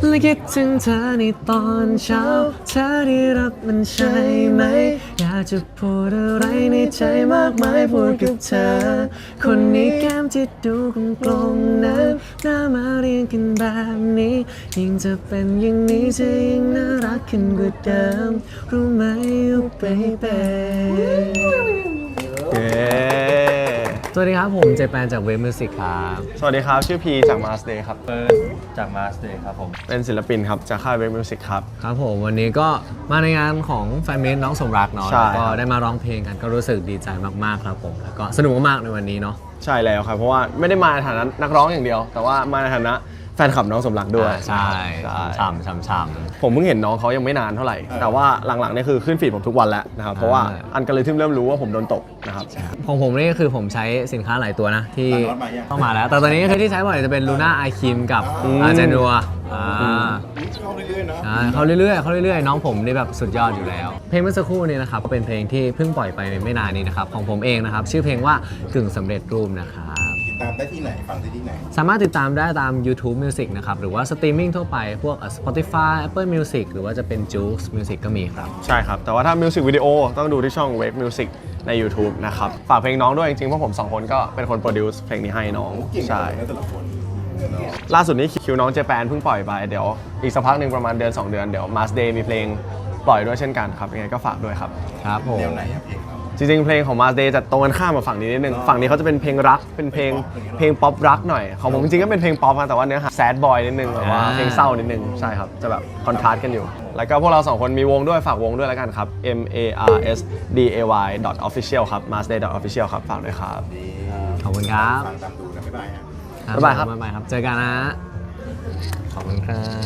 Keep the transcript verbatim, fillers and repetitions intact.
และคิดถึงเธอในตอนเช้าเธอได้รับมันใช่ไหมอยากจะพูดอะไรในใจมากมายพูดกับเธอคนนี้แก้มที่ดูกลมๆนั้นหน้ามาเรียงกันแบบนี้ยิ่งจะเป็นอย่างนี้จะยิ่งน่ารักขึ้นกว่าเดิมรู้ไหม baby เย้สวัสดีครับผมเจแปนจากเวฟมิวสิกครับสวัสดีครับชื่อพีจาก Mars Day ครับเฟิร์สจากมาสเตย์ครับผมเป็นศิลปินครับจากค่าย Wave Music ครับครับผมวันนี้ก็มาในงานของแฟนเมนน้องสมรักเนาะใช่แล้วก็ได้มาร้องเพลงกันก็รู้สึกดีใจมากๆครับผมแล้วก็สนุกมากๆในวันนี้เนาะใช่แล้วครับเพราะว่าไม่ได้มาในฐานะนักร้องอย่างเดียว แต่ว่ามาในฐานะแฟนคลับน้องสมรักด้วยอ่าใช่ใช่ช่ำช่ำช่ำผมเพิ่งเห็นน้องเขายังไม่นานเท่าไหร่ แต่ว่าหลังๆเนี่ยคือขึ้นฟีดผมทุกวันแล้วนะครับเพราะว่าอ่าอันกอริทึมเริ่มรู้ว่าผมโดนตกนะครับของผมนี่คือผมใชสินค้าหลายตัวนะที่เข้ามาแล้ว แต่ตอนนี้คือที่ใช้บ่อยจะเป็นลูน่าไอคิมกับเจนัวอ่าใช่เขาเรื่อยๆเขาเรื่อยๆน้องผมนี่แบบสุดยอดอยู่แล้ว เพลงเมื่อสักครู่นี้นะครับก็เป็นเพลงที่เพิ่งปล่อยไปไม่นานนี้นะครับของผมเองนะครับชื่อเพลงว่ากึ่งสำเร็จรูปนะครับติดตามได้ที่ไหนฟังได้ที่ไหนสามารถติดตามได้ตาม YouTube Music นะครับหรือว่าสตรีมมิ่งทั่วไปพวก Spotify Apple Music หรือว่าจะเป็น Joox Music ก็มีครับใช่ครับ แต่ว่าถ้ามิวสิกวิดีโอต้องดูที่ช่อง Wave Music ใน YouTube นะครับ ฝากเพลงน้องด้วยจริงๆเพราะผมสองคนก็เป็นคนโปรดิวซ์เพลงนี้ให้น้องเก่งใช่นะแต่ละคนล่าสุดนี้คิวน้องเจแปนเพิ่งปล่อยไปเดี๋ยวอีกสักพักหนึ่งประมาณเดือนสองเดือนเดี๋ยว Mars Day มีเพลงปล่อยด้วยเช่นกันครับยังไงก็ฝากด้วยครับครับผมแนวไหนอะเพลงเราจริงๆเพลงของ Mars Day จะตรงกันข้ามกับฝั่งนี้นิดนึงฝั่งนี้เขาจะเป็นเพลงรักเป็นเพลงเพลงป๊อปรักหน่อยของผมจริงๆก็เป็นเพลงป๊อปนะแต่ว่าเนื้อหาแซดบอยนิดนึงแบบว่าเพลงเศร้านิดนึงใช่ครับจะแบบคอนทราสต์กันอยู่ แล้วก็พวกเราสองคนมีวงด้วยฝากวงด้วยแล้วกันครับ M A R S D A Y dot official ครับ marsday dot official ครับฝากด้วยครับขอบคุณครับฟังตามดูนะบ๊ายบายฮะบ๊ายบายครับบ๊ายบายครับ เจอกันนะ ขอบคุณครับ